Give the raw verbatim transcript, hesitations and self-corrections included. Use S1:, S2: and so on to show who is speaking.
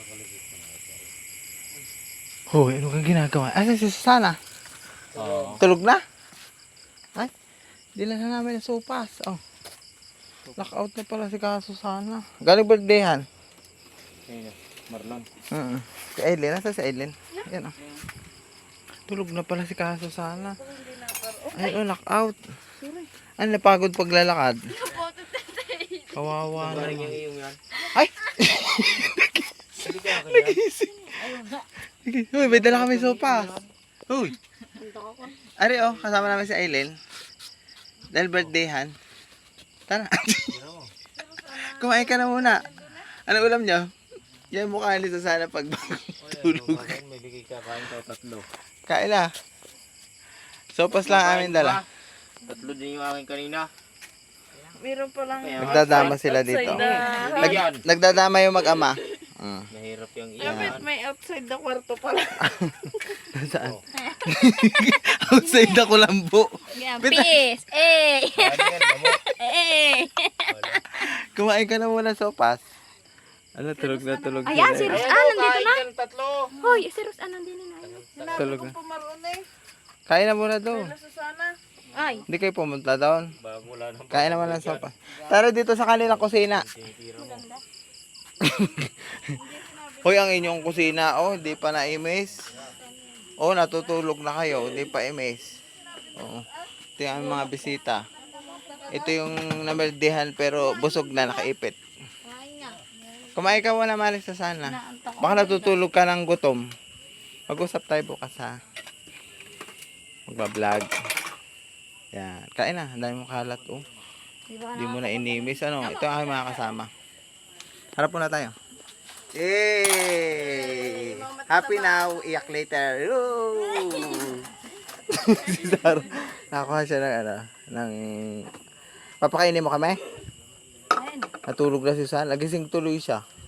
S1: Hoy, ano kang ginagawa? Asa si Susana?
S2: Oo.
S1: Tulog na? Ay, dila na namin ang sopas. Oh. Knockout na pala si Ka Susana. Galing birthdayhan.
S2: Ayun, Marlon.
S1: Mm. Si Aileen, nasa si Aileen? Yan oh. Tulog na pala si Ka Susana. Ay, oh, knockout. Ano, napagod paglalakad? Kawawa na.
S2: Galing yung iyong yan.
S1: Ay!
S2: Hindi ka kaya.
S1: Nagising. Sige. Uy, may dala kami sopas. Uy. Ari oh, kasama namin si Aileen. Dahil birthdayhan. Tara. Kumain ka na muna. Ano ulam niyo? Yan mukha nito sana pag tulog.
S2: May bigay ka kain ka tatlo.
S1: Kain na. Sopas lang amin dala.
S2: Tatlo din yung akin kanina.
S3: Meron pa lang.
S1: Nagdadama sila dito. Nag,
S2: Nag
S1: nagdadama yung mag-ama. Mm.
S2: Mahirap yung
S3: Dapat
S2: iyan.
S3: may outside the kwarto pala.
S1: Saan? Outside na kulambo.
S4: Peace! Eh!
S2: Ano yan, gamot?
S4: Eh!
S1: Kumain ka na muna sopas. Ano, tulog na tulog
S4: Ayan, si
S1: sila.
S4: Ros
S2: Ayan,
S4: Ann,
S2: oh,
S4: nandito
S2: kain
S4: na.
S2: ka ng tatlo.
S4: Hoy, si Ros Ann, nandito na.
S3: Sinabi
S1: Tulog
S3: ko
S1: na.
S3: pumaroon eh.
S1: Kain na muna doon.
S3: Wala Susana.
S4: Ay,
S1: Hindi kayo pumunta doon.
S2: Bago wala nang
S1: Kain naman ng sopas. Tara dito sa kanilang kusina.
S2: tinitira mo.
S1: Hoy, ang inyong kusina, oh, hindi pa na-imis. Oh, natutulog na kayo, hindi pa imis. Oo. Ito yung aming mga bisita. Ito yung namerdihan pero busog na, nakaipit. Kumain ka muna, Maris, sa sana. Baka natutulog ka ng gutom. Mag-usap tayo bukas, ha. Magbablog. Yan. Kain na, ang dami mong kalat, oh. Hindi mo na inimis. Ano, ito ang aking mga kasama. Harap muna tayo. Yay! Happy now, iyak later. Woo! Si Sarah, nakakuha siya ng ano, ng... Papakainin mo kami? Natulog na si San. Nagising tuloy siya.